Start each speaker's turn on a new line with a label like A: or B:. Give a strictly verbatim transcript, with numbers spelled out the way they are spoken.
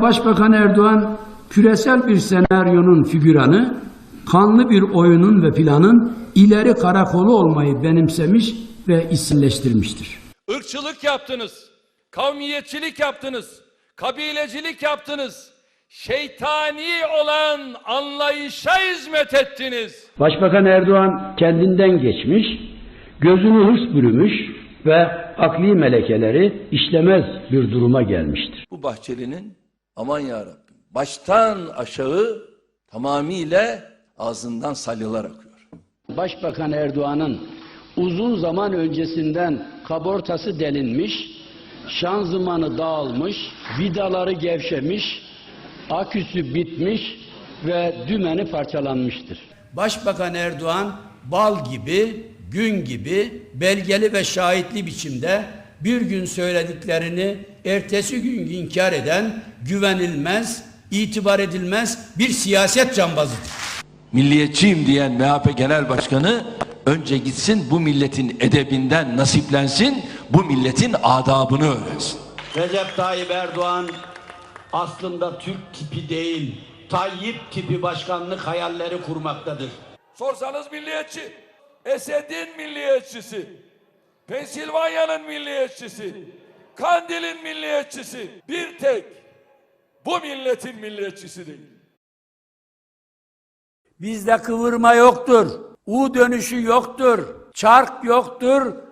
A: Başbakan Erdoğan küresel bir senaryonun figüranı, kanlı bir oyunun ve planın ileri karakolu olmayı benimsemiş ve isimleştirmiştir.
B: Irkçılık yaptınız, kavmiyetçilik yaptınız, kabilecilik yaptınız, şeytani olan anlayışa hizmet ettiniz.
A: Başbakan Erdoğan kendinden geçmiş, gözünü hırs bürümüş ve akli melekeleri işlemez bir duruma gelmiştir.
B: Bu Bahçeli'nin aman yarabbim baştan aşağı tamamıyla ağzından salyalar akıyor.
A: Başbakan Erdoğan'ın uzun zaman öncesinden kabortası delinmiş, şanzımanı dağılmış, vidaları gevşemiş, aküsü bitmiş ve dümeni parçalanmıştır. Başbakan Erdoğan bal gibi, gün gibi belgeli ve şahitli biçimde bir gün söylediklerini ertesi gün inkar eden güvenilmez, itibar edilmez bir siyaset cambazıdır.
B: Milliyetçiyim diyen M H P Genel Başkanı önce gitsin bu milletin edebinden nasiplensin, bu milletin adabını öğrensin.
C: Recep Tayyip Erdoğan aslında Türk tipi değil, Tayyip tipi başkanlık hayalleri kurmaktadır.
B: Sorsanız milliyetçi, Esed'in milliyetçisi, Pensilvanya'nın milliyetçisi, Kandil'in milliyetçisi, bir tek bu milletin milliyetçisi değil.
A: Bizde kıvırma yoktur, U dönüşü yoktur, çark yoktur,